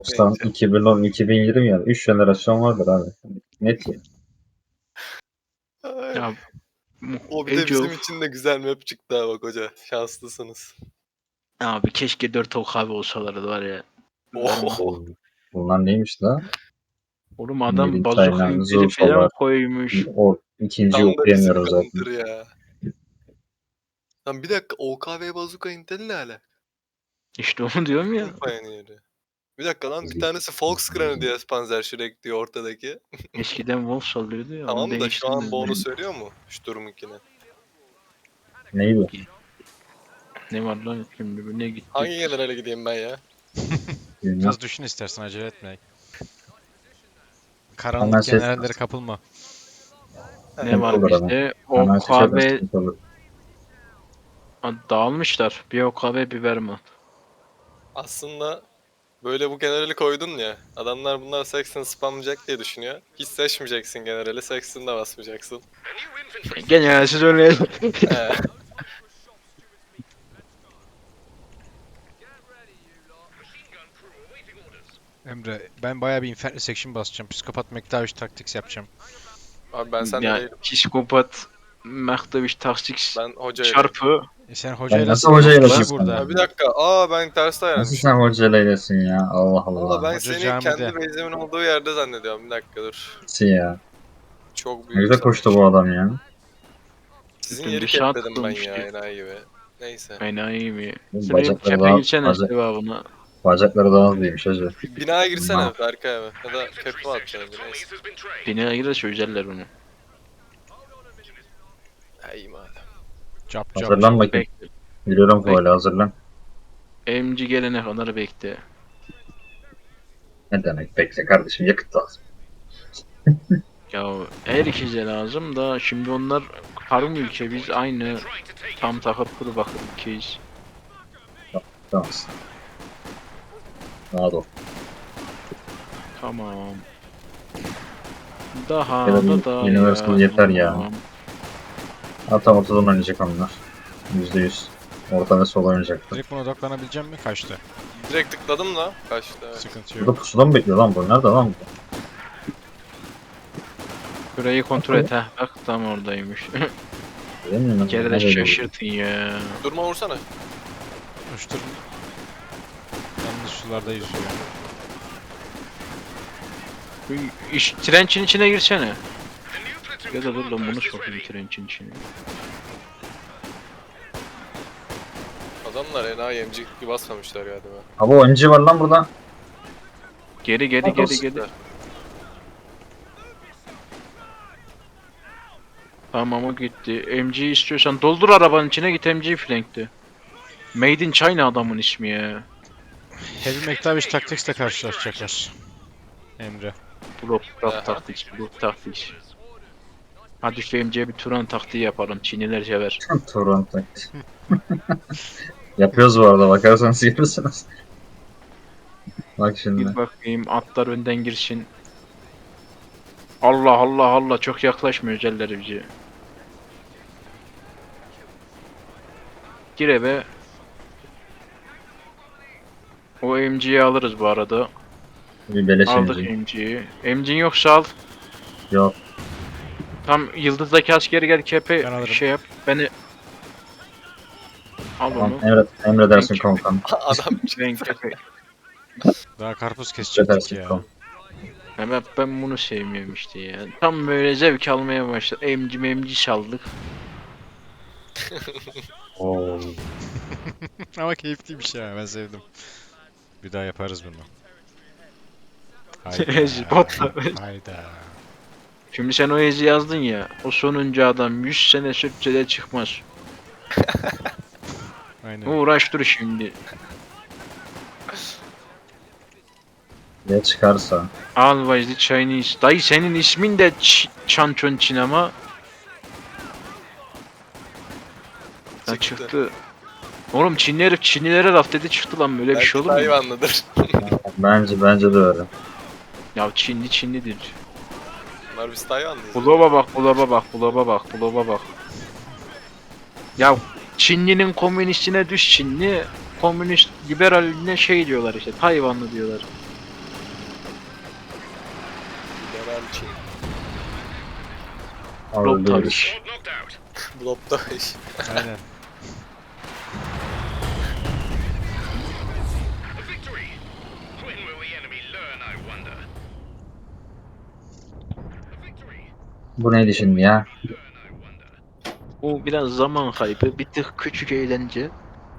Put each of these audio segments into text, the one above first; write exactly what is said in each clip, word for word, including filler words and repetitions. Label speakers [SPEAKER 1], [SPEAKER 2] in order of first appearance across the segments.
[SPEAKER 1] Sen
[SPEAKER 2] Neyse.
[SPEAKER 1] iki bin on iki bin yirmi ya. üç jenerasyon vardır abi. Net ya.
[SPEAKER 2] Ay.
[SPEAKER 3] Ya
[SPEAKER 2] O bir de
[SPEAKER 3] Age
[SPEAKER 2] bizim
[SPEAKER 3] of.
[SPEAKER 2] için de güzel map çıktı ha bak hoca. Şanslısınız.
[SPEAKER 3] Abi keşke dört ok abi olsalardı var ya.
[SPEAKER 2] Oh.
[SPEAKER 1] Oo, bunlar neymiş la?
[SPEAKER 3] Oğlum adam
[SPEAKER 1] Mirin,
[SPEAKER 3] bazuka
[SPEAKER 1] China,
[SPEAKER 3] interi falan
[SPEAKER 1] Zulfalar.
[SPEAKER 3] koymuş.
[SPEAKER 1] O ikinciyi
[SPEAKER 2] Tam da bizim
[SPEAKER 1] okuyamıyorum zaten.
[SPEAKER 2] counter ya. Lan bir dakika O K V Bazooka Intel ne ala?
[SPEAKER 3] İşte onu diyorum ya.
[SPEAKER 2] Bunun pioneer'ı. Bir dakika lan bir tanesi Volkskrone diye Panzerschreck diyor ortadaki.
[SPEAKER 3] Eskiden Wolf sallıyordu ya, onu
[SPEAKER 2] Tamam da şu an
[SPEAKER 3] değiştirmediler.
[SPEAKER 2] bonus veriyor mu? Sturm'unkine.
[SPEAKER 1] Neydi?
[SPEAKER 3] Ne var lan şimdi, bu ne gitti?
[SPEAKER 2] Hangi generale gideyim ben ya?
[SPEAKER 1] Bilmem.
[SPEAKER 4] Biraz düşün istersen, acele etme.
[SPEAKER 1] Hemen
[SPEAKER 4] Karanlık
[SPEAKER 1] şey
[SPEAKER 4] generallere kapılma.
[SPEAKER 3] Ne
[SPEAKER 1] sıkıntı
[SPEAKER 3] var
[SPEAKER 1] olur ama.
[SPEAKER 3] bizde?
[SPEAKER 1] Hemen seçersen
[SPEAKER 3] O K B
[SPEAKER 1] sıkıntı olur.
[SPEAKER 3] dağılmışlar. Bir O K B bir Vermont.
[SPEAKER 2] Aslında böyle bu generali koydun ya. Adamlar bunlar Saxon spamlayacak diye düşünüyor. Hiç seçmeyeceksin generali. Saxon'da basmayacaksın.
[SPEAKER 3] Gene siz öyle.
[SPEAKER 2] He.
[SPEAKER 4] Emre, ben bayağı bir Infernal Section basacağım. Psikopat McTavish Tactics yapacağım.
[SPEAKER 2] Abi ben sende
[SPEAKER 3] Ya
[SPEAKER 2] değilim.
[SPEAKER 3] psikopat Mektaviş Taksik
[SPEAKER 2] Ben hocayla.
[SPEAKER 3] çarpı.
[SPEAKER 4] E sen
[SPEAKER 1] Ben
[SPEAKER 4] hocayla
[SPEAKER 1] nasıl hocayla
[SPEAKER 4] kişi
[SPEAKER 1] basın
[SPEAKER 4] burada.
[SPEAKER 1] ya?
[SPEAKER 2] Ha bir dakika. Aa ben ters
[SPEAKER 1] Nasıl
[SPEAKER 2] dayanmışım.
[SPEAKER 1] sen hocayla eylesin ya? Allah
[SPEAKER 2] Valla
[SPEAKER 1] Allah.
[SPEAKER 2] ben
[SPEAKER 4] Hoca
[SPEAKER 2] seni
[SPEAKER 4] camide.
[SPEAKER 2] kendi base'imin olduğu yerde zannediyorum. Bir dakika dur.
[SPEAKER 1] Nasıl ya?
[SPEAKER 2] Çok
[SPEAKER 1] Ne
[SPEAKER 2] büyük.
[SPEAKER 1] güzel koştu bu adam ya.
[SPEAKER 2] Sizin
[SPEAKER 3] Bütün
[SPEAKER 2] yeri
[SPEAKER 3] dışarı
[SPEAKER 2] kepledim ben ya
[SPEAKER 3] tıkılmıştı.
[SPEAKER 2] enayi gibi. Neyse.
[SPEAKER 3] Enayi mi?
[SPEAKER 1] Oğlum,
[SPEAKER 3] Şuraya bir
[SPEAKER 1] bacakları
[SPEAKER 3] kepe
[SPEAKER 1] daha,
[SPEAKER 3] girsene
[SPEAKER 1] bacak,
[SPEAKER 3] sevabına.
[SPEAKER 1] bacakları daha hızlıymış hacı.
[SPEAKER 2] Binaya girsene
[SPEAKER 1] Tamam.
[SPEAKER 2] Berkay abi. Ya da kepe mi atacaksın? Neyse.
[SPEAKER 3] Binaya girer çözerler onu.
[SPEAKER 2] Ha iyi madem.
[SPEAKER 4] Cap cap.
[SPEAKER 1] Hazırlan bakayım.
[SPEAKER 3] Bekle.
[SPEAKER 1] Biliyorum
[SPEAKER 3] Bek-
[SPEAKER 1] böyle hazırlan.
[SPEAKER 3] M G gelene kadar bekle.
[SPEAKER 1] Ne demek bekle kardeşim, yakıt lazım.
[SPEAKER 3] Ya her ikisi lazım da şimdi onlar tarım ülke, biz aynı tam takıp kuru bakır ülkeyiz.
[SPEAKER 1] Tamam. Rahat ol.
[SPEAKER 3] Tamam. Daha
[SPEAKER 1] Ya da
[SPEAKER 3] da da
[SPEAKER 1] Universal yeter ya. Hatta ortadan oynayacak onlar. Yüzde yüz. Orta ve sol oynayacaktı.
[SPEAKER 4] Direkt buna odaklanabileceğim mi? Kaçtı.
[SPEAKER 2] Direkt tıkladım da kaçtı. Evet.
[SPEAKER 4] Sıkıntı
[SPEAKER 1] Burada
[SPEAKER 4] yok.
[SPEAKER 1] pusuda mı bekliyor lan bu? Nerede lan bu?
[SPEAKER 3] Şurayı kontrol et ha. Bak tam oradaymış.
[SPEAKER 1] Değil mi?
[SPEAKER 3] Bir kere de
[SPEAKER 1] Nerede bu?
[SPEAKER 3] şaşırtın ya.
[SPEAKER 2] Durma vursana.
[SPEAKER 4] Uçtur. Yanlış sularda yüzüyor.
[SPEAKER 3] Bu iş, trençin içine girsene. Ya da dur lan bunu sokayım trençin içine.
[SPEAKER 2] Adamlar enayi emcik gibi basmamışlar galiba.
[SPEAKER 1] Abi o M G var lan burada.
[SPEAKER 3] Geri geri
[SPEAKER 1] Bak,
[SPEAKER 3] geri
[SPEAKER 1] olsun.
[SPEAKER 3] geri. Tamam o gitti. M G istiyorsan doldur arabanın içine, git M G flank'te. Made in China adamın ismi ya.
[SPEAKER 4] Heavy McTavish Tactics'le karşılaşacaklar. Emre.
[SPEAKER 3] Blok
[SPEAKER 2] Aha.
[SPEAKER 3] blok taktik, blok taktik. Hadi şu M G'ye bir Turan taktiği yapalım. Çinliler sever.
[SPEAKER 1] Toronto. Yapıyoruz bu arada, bakarsanız görürsünüz. Bak şimdi.
[SPEAKER 3] Bir bakayım atlar önden girsin. Allah Allah Allah, çok yaklaşmıyor özelleri bize. Gir eve. O M G'yi alırız bu arada.
[SPEAKER 1] Bir beleş
[SPEAKER 3] Aldık
[SPEAKER 1] M G.
[SPEAKER 3] M G'yi. M G'in yoksa al.
[SPEAKER 1] Yok.
[SPEAKER 3] Tam yıldızdaki askeri gel kepe
[SPEAKER 4] Ben alırım.
[SPEAKER 3] şey yap. Beni al
[SPEAKER 1] Tamam,
[SPEAKER 3] onu.
[SPEAKER 1] emre, emredersin
[SPEAKER 3] Ben-
[SPEAKER 1] komutanım.
[SPEAKER 2] Adam
[SPEAKER 3] Ben kepe.
[SPEAKER 4] Daha karpuz kesecektik
[SPEAKER 1] Emredersin
[SPEAKER 4] ya.
[SPEAKER 1] komutanım.
[SPEAKER 3] Hemen ben bunu sevmiyorum işte ya. Tam böyle zevk almaya başladı. M G M G çaldık.
[SPEAKER 1] Oo.
[SPEAKER 4] Ama keyifliymiş ya, ben sevdim. Bir daha yaparız bunu.
[SPEAKER 3] Botla.
[SPEAKER 4] Hayda.
[SPEAKER 3] Şimdi sen o ezi yazdın ya. O sonuncu adam yüz sene sürtse de çıkmaz.
[SPEAKER 4] Aynen.
[SPEAKER 3] Uğraş dur şimdi.
[SPEAKER 1] Ne çıkarsa.
[SPEAKER 3] Always the Chinese. Dayı senin ismin de Ç- Çançon Çin ama. Ha,
[SPEAKER 2] Çıktı.
[SPEAKER 3] çıktı. Oğlum Çinli herif Çinlilere laf dedi çıktı lan, böyle bir
[SPEAKER 2] belki
[SPEAKER 3] şey olur mu?
[SPEAKER 2] Tayvanlıdır.
[SPEAKER 1] Bence bence de öyle.
[SPEAKER 3] Ya Çinli Çinlidir.
[SPEAKER 2] Bunlar biz Tayvanlıyız.
[SPEAKER 3] Bulaba bak, bulaba bak, bulaba bak, bulaba bak. Ya Çinlinin komünistine düş Çinli, komünist liberaline şey diyorlar işte, Tayvanlı diyorlar.
[SPEAKER 2] General Çin.
[SPEAKER 1] Ağırlıyoruz.
[SPEAKER 2] Blop'ta iş.
[SPEAKER 4] Aynen.
[SPEAKER 1] Bu neydi şimdi ya?
[SPEAKER 3] Bu biraz zaman kaybı, bir tık küçük eğlence.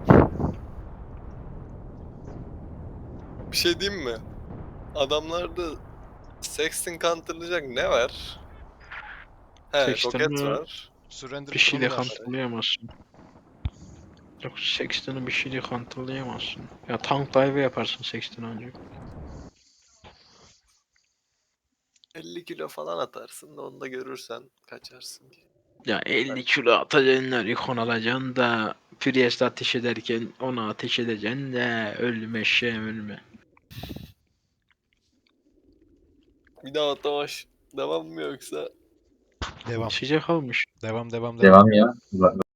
[SPEAKER 2] Bir şey diyeyim mi? Adamlarda Sexton counterlayacak ne var? He, roket
[SPEAKER 3] Sexton'ı
[SPEAKER 2] var.
[SPEAKER 4] Surrender
[SPEAKER 3] bir şeyle
[SPEAKER 4] Crown'u var.
[SPEAKER 3] kontrollayamazsın. Yok, Sexton'ı bir şeyle kontrollayamazsın. Ya tank dive yaparsın Sexton ancak.
[SPEAKER 2] elli kilo falan atarsın da onu da görürsen kaçarsın.
[SPEAKER 3] Ya elli kilo atacaksın, ikon alacaksın da Priest ateş ederken ona ateş edeceksin de ölme şey ölme.
[SPEAKER 2] Bir daha Atamaş devam mı yoksa?
[SPEAKER 4] Devam.
[SPEAKER 3] Sıcak kalmış.
[SPEAKER 4] Devam devam devam.
[SPEAKER 1] Devam ya.